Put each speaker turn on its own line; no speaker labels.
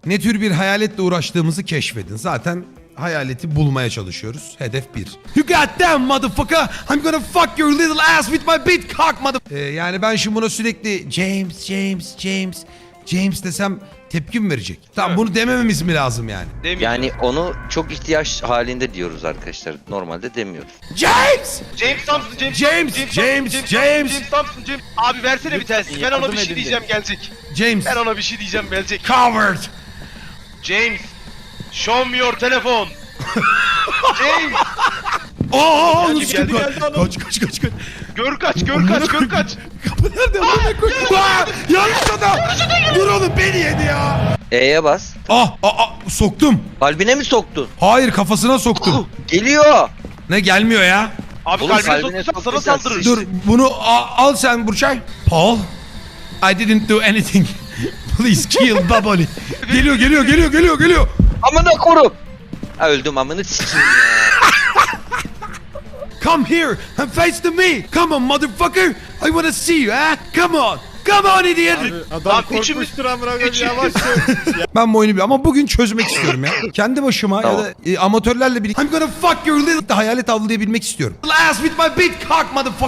Ne tür bir hayaletle uğraştığımızı keşfedin. Zaten hayaleti bulmaya çalışıyoruz. Hedef 1. You goddamn motherfucker! I'm gonna fuck your little ass with my big cock mother... yani ben şimdi buna sürekli James desem tepki mi verecek? Tamam, bunu demememiz mi lazım yani?
Yani onu çok ihtiyaç halinde diyoruz arkadaşlar. Normalde demiyoruz.
James!
James Thompson,
James!
Thompson. Abi versene bir tanesi. Ben ona bir şey diyeceğim gelecek.
James!
Ben ona bir şey diyeceğim gelecek.
Coward!
James, show me your telefon. James,
Aa,
Geldi,
nasıl çıktı?
geldi, geldi.
Kaç.
gör kaç.
Kapı nerede? Amına koyayım. Aa, yanlış adam. Dur oğlum, beni yedi ya.
E'ye bas.
Soktum.
Kalbine mi soktun?
Hayır, kafasına soktum.
Geliyor.
Ne gelmiyor ya?
Abi
Oğlum,
kalbine
kalbine
soktursan sana
soktuysan
saldırır.
Dur, bunu al sen Burçay. Paul, I didn't do anything. Please kill Baboli. Geliyor.
Amına korum. Ha, öldüm amını sikeyim ya.
Come here and face to me. Come on motherfucker. I wanna see you, ha? Come on idiot.
Adam
Lan
korkmuştur amına koyayım,
üçümüz-
yavaş ol.
Ben bu oyunu ama bugün çözmek istiyorum ya. Kendi başıma
Tamam.
ya da amatörlerle birlikte. I'm gonna fuck your little hayalet avlayabilmek istiyorum. Ass with my big cock motherfucker.